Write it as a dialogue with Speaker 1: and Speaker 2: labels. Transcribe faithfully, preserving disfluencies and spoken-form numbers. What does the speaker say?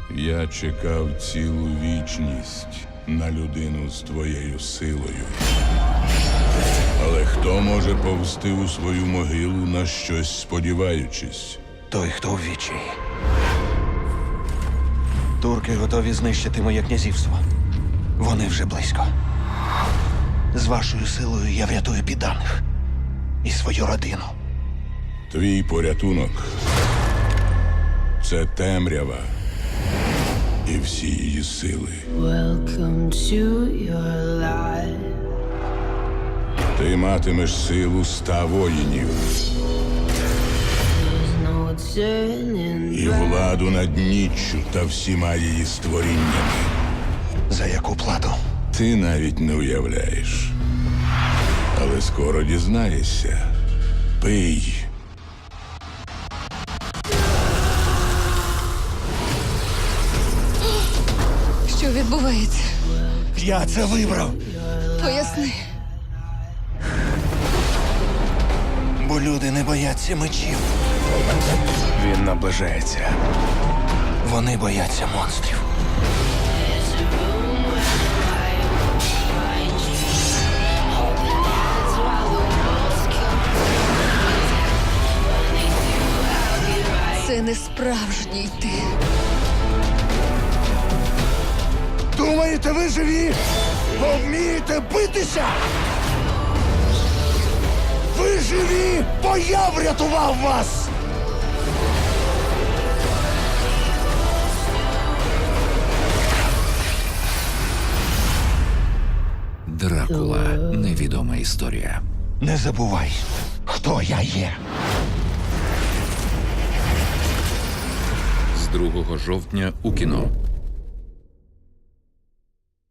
Speaker 1: Я чекав цілу вічність на людину з твоєю силою. Але хто може повсти у свою могилу, на щось сподіваючись?
Speaker 2: Той, хто в відчаї. Турки готові знищити моє князівство. Вони вже близько. З вашою силою я врятую підданих і свою родину.
Speaker 1: Твій порятунок – це темрява і всі її сили.
Speaker 3: Welcome to your life.
Speaker 1: Ти матимеш силу ста воїнів
Speaker 3: There's no turning
Speaker 1: і
Speaker 3: back.
Speaker 1: владу над ніччю та всіма її створіннями.
Speaker 2: За яку плату?
Speaker 1: Ти навіть не уявляєш. Але скоро дізнаєшся. Пий.
Speaker 4: Що відбувається?
Speaker 2: Я це вибрав,
Speaker 4: Поясни.
Speaker 2: бо люди не бояться мечів.
Speaker 5: Він наближається.
Speaker 2: Вони бояться монстрів.
Speaker 4: Це не справжній ти.
Speaker 2: Думаєте, ви живі? Бо вмієте битися? Ви живі, бо я врятував вас!
Speaker 6: Дракула. Невідома історія.
Speaker 2: Не забувай, хто я є.
Speaker 6: З другого жовтня у кіно.